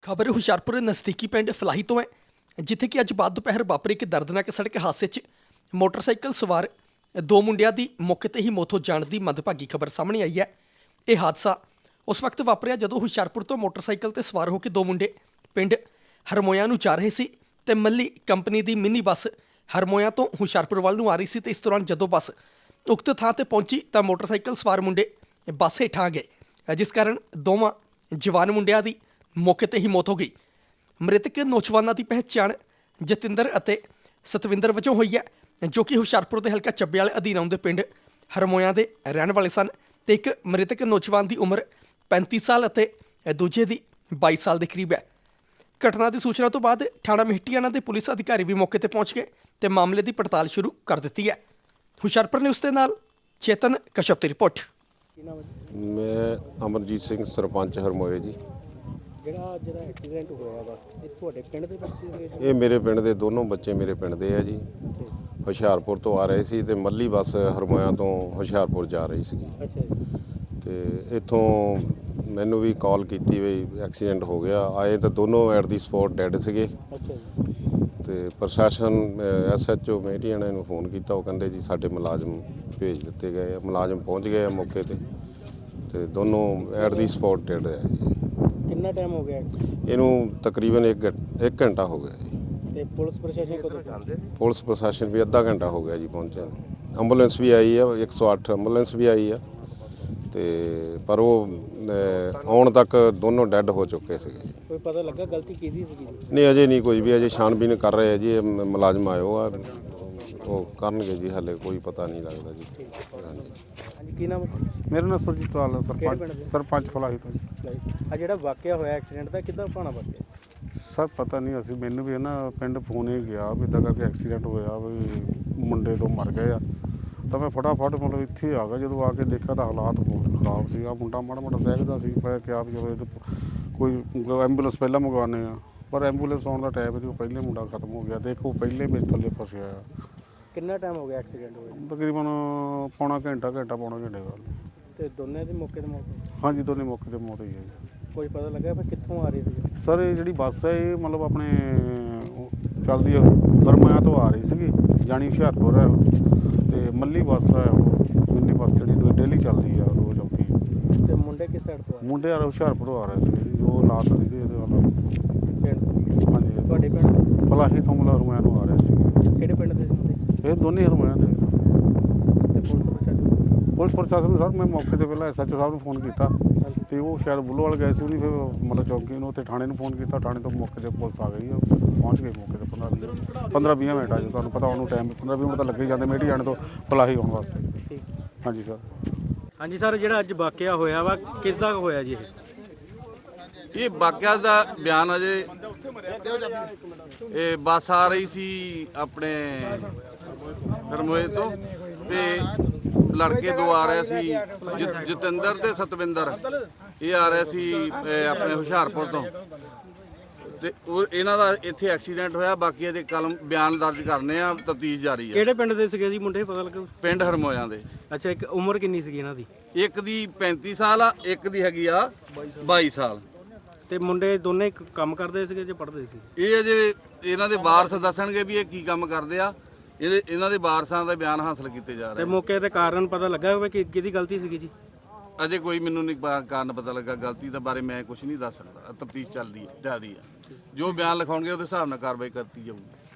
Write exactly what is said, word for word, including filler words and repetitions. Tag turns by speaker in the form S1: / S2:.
S1: खबर हुशियारपुर नज़दीकी पिंड फलाही तो है, जिथे कि अज बाद दोपहर वापरे एक दर्दनाक सड़क हादसे च मोटरसाइकिल सवार दो मुंडिया की मौके ते ही मौत हो जाने की मंदभागी खबर सामने आई है। यह हादसा उस वक्त वापरिया जदों हुशियारपुर तो मोटरसाइकिल ते सवार होकर दो मुंडे पिंड हरमोया नूं जा रहे सी ते मल्ली कंपनी की मिनी बस हरमोया तो हुशियारपुर वाल नूं आ रही सी ते इस दौरान जदों बस उक्त थां ते पहुंची तो मोटरसाइकिल सवार मुंडे बस हेठां आ गए, जिस कारण दोवां जवान मुंडिया की मौके ते ही मौत हो गई। मृतक नौजवानों की पहचान जतिंदर अते सतविंदर वजों हुई है, जो कि हुशियारपुर के हल्का ਚੱਬੇ वाले अधीन आउंदे पिंड हरमोया के रहने वाले सन। ते एक मृतक नौजवान की उम्र पैंती साल अते दूजे की बाईस साल के करीब है। घटना की सूचना तो बाद थाणा मेहटियाना के पुलिस अधिकारी भी मौके पर पहुंच गए तो मामले की पड़ताल शुरू कर दी है। हुशियारपुर न्यूज़ के नाल चेतन कश्यप की रिपोर्ट।
S2: मैं अमरजीत सिंह सरपंच हरमोए जी।
S3: ਜਿਹੜਾ ਜਿਹੜਾ ਐਕਸੀਡੈਂਟ ਹੋਇਆ ਵਾ ਇਹ ਤੁਹਾਡੇ ਪਿੰਡ ਦੇ ਬੱਚੇ ਸੀਗੇ?
S2: ਇਹ ਮੇਰੇ ਪਿੰਡ ਦੇ ਦੋਨੋਂ ਬੱਚੇ ਮੇਰੇ ਪਿੰਡ ਦੇ ਆ ਜੀ। ਹੁਸ਼ਿਆਰਪੁਰ ਤੋਂ ਆ ਰਹੇ ਸੀ ਤੇ ਮੱਲੀ ਬੱਸ ਹਰਮੋਇਆ ਤੋਂ ਹੁਸ਼ਿਆਰਪੁਰ ਜਾ ਰਹੀ ਸੀਗੀ।
S3: ਅੱਛਾ ਜੀ।
S2: ਤੇ ਇੱਥੋਂ ਮੈਨੂੰ ਵੀ ਕਾਲ ਕੀਤੀ ਵੀ ਐਕਸੀਡੈਂਟ ਹੋ ਗਿਆ। ਆਏ ਤਾਂ ਦੋਨੋਂ ਐਟ ਦੀ ਸਪੌਟ ਡੈਡ ਸੀਗੇ।
S3: ਅੱਛਾ ਜੀ।
S2: ਤੇ ਪ੍ਰਸ਼ਾਸਨ ਐਸ ਐਚ ਓ ਮੇਟੀਆਣਾ ਨੂੰ ਫੋਨ ਕੀਤਾ, ਉਹ ਕਹਿੰਦੇ ਜੀ ਸਾਡੇ ਮੁਲਾਜ਼ਮ ਭੇਜ ਦਿੱਤੇ ਗਏ ਆ। ਮੁਲਾਜ਼ਮ ਪਹੁੰਚ ਗਏ ਆ ਮੌਕੇ ਤੇ ਤੇ ਦੋਨੋਂ ਐਟ ਦੀ ਸਪੌਟ ਡੈਡ ਆ ਜੀ।
S3: ਕਿੰਨਾ ਟਾਈਮ ਹੋ ਗਿਆ ਐਕਸੀਡੈਂਟ?
S2: ਇਹਨੂੰ ਤਕਰੀਬਨ ਇੱਕ ਇੱਕ ਘੰਟਾ ਹੋ ਗਿਆ ਜੀ।
S3: ਤੇ ਪੁਲਿਸ ਪ੍ਰਸ਼ਾਸਨ ਕਦੋਂ ਪਹੁੰਚੇ?
S2: ਪੁਲਿਸ ਪ੍ਰਸ਼ਾਸਨ ਵੀ ਅੱਧਾ ਘੰਟਾ ਹੋ ਗਿਆ ਜੀ ਪਹੁੰਚਿਆ ਨੂੰ। ਐਂਬੂਲੈਂਸ ਵੀ ਆਈ ਆ, ਇੱਕ ਸੌ ਅੱਠ ਐਂਬੂਲੈਂਸ ਵੀ ਆਈ ਆ ਤੇ ਪਰ ਉਹ ਆਉਣ ਤੱਕ ਦੋਨੋਂ ਡੈੱਡ ਹੋ ਚੁੱਕੇ ਸੀਗੇ ਜੀ।
S3: ਕੋਈ ਪਤਾ ਲੱਗਾ ਗਲਤੀ ਕਿਹਦੀ ਸੀਗੀ ਜੀ?
S2: ਨਹੀਂ ਅਜੇ ਨਹੀਂ ਕੋਈ ਵੀ, ਅਜੇ ਛਾਣਬੀਨ ਕਰ ਰਹੇ ਆ ਜੀ। ਇਹ ਮ- ਮੁਲਾਜ਼ਮ ਆਇਓ ਆ, ਉਹ ਕਰਨਗੇ ਜੀ, ਹਾਲੇ ਕੋਈ ਪਤਾ ਨਹੀਂ ਲੱਗਦਾ ਜੀ। ਹਾਂਜੀ
S3: ਹਾਂਜੀ, ਕੀ ਨਾਮ ਹੈ?
S4: ਮੇਰਾ ਨਾਮ ਸੁਰਜੀਤ ਲਾਲ ਹੈ,
S3: ਕਿਹੜੇ ਪਿੰਡ
S4: ਸਰਪੰਚ
S3: ਦੇ?
S4: ਸਰਪੰਚ ਫਲਾਹੀ ਤੋਂ ਜੀ।
S3: ਆ ਜਿਹੜਾ ਵਾਕਿਆ ਹੋਇਆ ਐਕਸੀਡੈਂਟ ਦਾ ਕਿੱਦਾਂ ਭਾਣਾ ਵਾਕਿਆ?
S4: ਸਰ ਪਤਾ ਨਹੀਂ, ਅਸੀਂ ਮੈਨੂੰ ਵੀ ਨਾ ਪਿੰਡ ਫੋਨ ਹੀ ਗਿਆ ਵੀ ਇੱਦਾਂ ਕਰਕੇ ਐਕਸੀਡੈਂਟ ਹੋਇਆ ਵੀ ਮੁੰਡੇ ਦੋ ਮਰ ਗਏ ਆ। ਤਾਂ ਮੈਂ ਫਟਾਫਟ ਮਤਲਬ ਇੱਥੇ ਆ ਗਿਆ। ਜਦੋਂ ਆ ਕੇ ਦੇਖਿਆ ਤਾਂ ਹਾਲਾਤ ਬਹੁਤ ਖਰਾਬ ਸੀ। ਆ ਮੁੰਡਾ ਮਾੜਾ ਮਾੜਾ ਸਹਿਜਦਾ ਸੀ, ਮੈਂ ਕਿਹਾ ਵੀ ਚਲੋ ਇਹ ਤਾਂ ਕੋਈ ਐਂਬੂਲੈਂਸ ਪਹਿਲਾਂ ਮੰਗਵਾਉਂਦੇ ਆ, ਪਰ ਐਂਬੂਲੈਂਸ ਆਉਣ ਦਾ ਟਾਈਮ ਨਹੀਂ, ਉਹ ਪਹਿਲੇ ਮੁੰਡਾ ਖਤਮ ਹੋ ਗਿਆ। ਦੇਖੋ ਪਹਿਲੇ ਮੇਰੇ ਥੱਲੇ ਫਸਿਆ ਆ।
S3: ਕਿੰਨਾ ਟਾਈਮ ਹੋ ਗਿਆ ਐਕਸੀਡੈਂਟ ਹੋਇਆ?
S4: ਤਕਰੀਬਨ ਪੌਣਾ ਘੰਟਾ ਘੰਟਾ ਪੌਣਾ ਘੰਟੇ ਗੱਲ।
S3: ਤੇ ਦੋਨੇ ਦੀ ਮੌਕੇ ਤੇ ਮੌਤ?
S4: ਹਾਂਜੀ ਦੋਨੇ ਮੌਕੇ 'ਤੇ ਮੌਤ ਹੋਈ ਹੈ ਜੀ।
S3: ਕੋਈ ਪਤਾ ਲੱਗਾ ਫਿਰ ਕਿੱਥੋਂ ਆ ਰਹੀ ਸੀ?
S4: ਸਰ ਇਹ ਜਿਹੜੀ ਬੱਸ ਹੈ ਇਹ ਮਤਲਬ ਆਪਣੇ ਉਹ ਚੱਲਦੀ ਹੈ ਹਰਮੋਇਆ ਤੋਂ ਆ ਰਹੀ ਸੀਗੀ, ਜਾਣੀ ਹੁਸ਼ਿਆਰਪੁਰ ਹੈ ਉਹ। ਤੇ ਮੱਲੀ ਬੱਸ ਹੈ ਉਹ ਮਿੰਨੀ ਬੱਸ ਜਿਹੜੀ ਡੇਲੀ ਚੱਲਦੀ ਆ, ਰੋਜ਼ ਆਉਂਦੀ ਹੈ।
S3: ਤੇ ਮੁੰਡੇ ਕਿਸ ਸਾਈਡ ਤੋਂ ਆ?
S4: ਮੁੰਡੇ ਆ ਹੁਸ਼ਿਆਰਪੁਰੋਂ ਆ ਰਹੇ ਸੀਗੇ ਜੀ, ਜੋ ਲਾਤ ਵਾਲੀ ਦੇ ਇਹਦੇ ਵੱਲ।
S3: ਪਿੰਡ ਤੋਂ?
S4: ਹਾਂਜੀ
S3: ਤੁਹਾਡੇ ਪਿੰਡ ਦੇ?
S4: ਫਲਾਹੀ ਤੋਂ ਮਤਲਬ ਹਰਮੋਇਆ ਨੂੰ ਆ ਰਹੇ ਸੀਗੇ।
S3: ਕਿਹੜੇ ਪਿੰਡ ਦੇ ਸੀ ਮੁੰਡੇ?
S4: ਇਹ ਦੋਨੇ ਹਰਮੋਇਆ ਦੇ।
S3: ਤੇ ਪੁਲਿਸ ਪ੍ਰਸ਼ਾਸਨ?
S4: ਪੁਲਿਸ ਪ੍ਰਸ਼ਾਸਨ ਨੂੰ ਸਰ ਮੈਂ ਮੌਕੇ 'ਤੇ ਪਹਿਲਾਂ ਐਸ ਐਚ ਓ ਸਾਹਿਬ ਨੂੰ ਫੋਨ ਕੀਤਾ ਤੇ ਉਹ ਸ਼ਾਇਦ ਬੁੱਲੋਵਾਲ ਗਏ ਸੀ, ਉਹਨੇ ਫਿਰ ਮਤਲਬ ਚੌਂਕੀ ਨੂੰ ਤੇ ਥਾਣੇ ਨੂੰ ਫੋਨ ਕੀਤਾ। ਥਾਣੇ ਤੋਂ ਮੌਕੇ 'ਤੇ ਪੁਲਿਸ ਆ ਗਈ, ਪਹੁੰਚ ਗਈ ਮੌਕੇ 'ਤੇ ਪੰਦਰਾਂ ਪੰਦਰਾਂ ਵੀਹ ਮਿੰਟ ਆ ਜੀ। ਤੁਹਾਨੂੰ ਪਤਾ ਉਹਨੂੰ ਟਾਈਮ ਪੰਦਰਾਂ ਵੀਹ ਮਿੰਟ ਤਾਂ ਲੱਗੇ ਹੀ ਜਾਂਦੇ ਮੇਟੀ ਜਾਣ ਤੋਂ ਫਲਾਹੀ ਆਉਣ ਵਾਸਤੇ।
S3: ਠੀਕ।
S4: ਹਾਂਜੀ ਸਰ।
S3: ਹਾਂਜੀ ਸਰ, ਜਿਹੜਾ ਅੱਜ ਵਾਕਿਆ ਹੋਇਆ ਵਾ ਕਿੱਦਾਂ ਹੋਇਆ ਜੀ ਇਹ?
S5: ਇਹ ਵਾਕਿਆ ਦਾ ਬਿਆਨ ਅਜੇ ਇਹ ਬੱਸ ਆ ਰਹੀ ਸੀ ਆਪਣੇ ਹਰਮੋਏ ਤੋਂ ਤੇ ਲੜਕੇ ਦੋ ਆ ਰਹੇ ਸੀ, ਜ- ਜਤਿੰਦਰ ਤੇ ਸਤਵਿੰਦਰ। ਇਹ ਆ ਰਹੇ ਸੀ ਇਹ ਆਪਣੇ ਹੁਸ਼ਿਆਰਪੁਰ ਤੋਂ ਤੇ ਉਹ ਇਹਨਾਂ ਦਾ ਇੱਥੇ ਐਕਸੀਡੈਂਟ ਹੋਇਆ। ਬਾਕੀ ਇਹਦੇ ਕਲਮ ਬਿਆਨ ਦਰਜ ਕਰਨੇ ਆ, ਤਫਤੀਸ਼ ਜਾਰੀ ਹੈ।
S3: ਕਿਹੜੇ ਪਿੰਡ ਦੇ ਸੀਗੇ ਜੀ ਮੁੰਡੇ, ਪਤਾ ਲੱਗਾ?
S5: ਪਿੰਡ ਹਰਮੋਇਆਂ ਦੇ।
S3: ਅੱਛਾ, ਇੱਕ ਉਮਰ ਕਿੰਨੀ ਸੀਗੀ ਇਹਨਾਂ ਦੀ?
S5: ਇੱਕ ਦੀ ਪੈਂਤੀ ਸਾਲ ਆ, ਇੱਕ ਦੀ ਹੈਗੀ ਆ ਬਾਈ ਸਾਲ।
S3: ਤੇ ਮੁੰਡੇ ਦੋਨੇ ਕ- ਕੰਮ ਕਰਦੇ ਸੀਗੇ ਜਾਂ ਪੜ੍ਹਦੇ ਸੀ?
S5: ਇਹ ਅਜੇ ਇਹਨਾਂ ਦੇ ਵਾਰਸ ਦੱਸਣਗੇ ਵੀ ਇਹ ਕੀ ਕੰਮ ਕਰਦੇ ਆ। ਇਹਦੇ ਇਹਨਾਂ ਦੇ ਵਾਰਸਾਂ ਦਾ ਬਿਆਨ ਹਾਸਲ ਕੀਤੇ ਜਾ
S3: ਤੇ
S5: ਰਹੇ।
S3: ਮੌਕੇ ਤੇ ਕਾਰਨ ਪਤਾ ਲੱਗਾ ਹੋਵੇ ਕਿ ਕਿਹਦੀ ਗਲਤੀ ਸੀਗੀ ਜੀ?
S5: ਅਜੇ ਕੋਈ ਮੈਨੂੰ ਨਹੀਂ ਪਾ- ਕਾਰਨ ਪਤਾ ਲੱਗਾ। ਗਲਤੀ ਦੇ ਬਾਰੇ ਮੈਂ ਕੁਝ ਨਹੀਂ ਦੱਸ ਸਕਦਾ। ਤਫਤੀਸ਼ ਚੱਲਦੀ ਹੈ, ਜਾਰੀ ਹੈ। ਜੋ ਬਿਆਨ ਲਿਖਾਉਣਗੇ ਉਹਦੇ ਹਿਸਾਬ ਨਾਲ ਕਾਰਵਾਈ ਕਰਤੀ ਜਾਊਗੀ।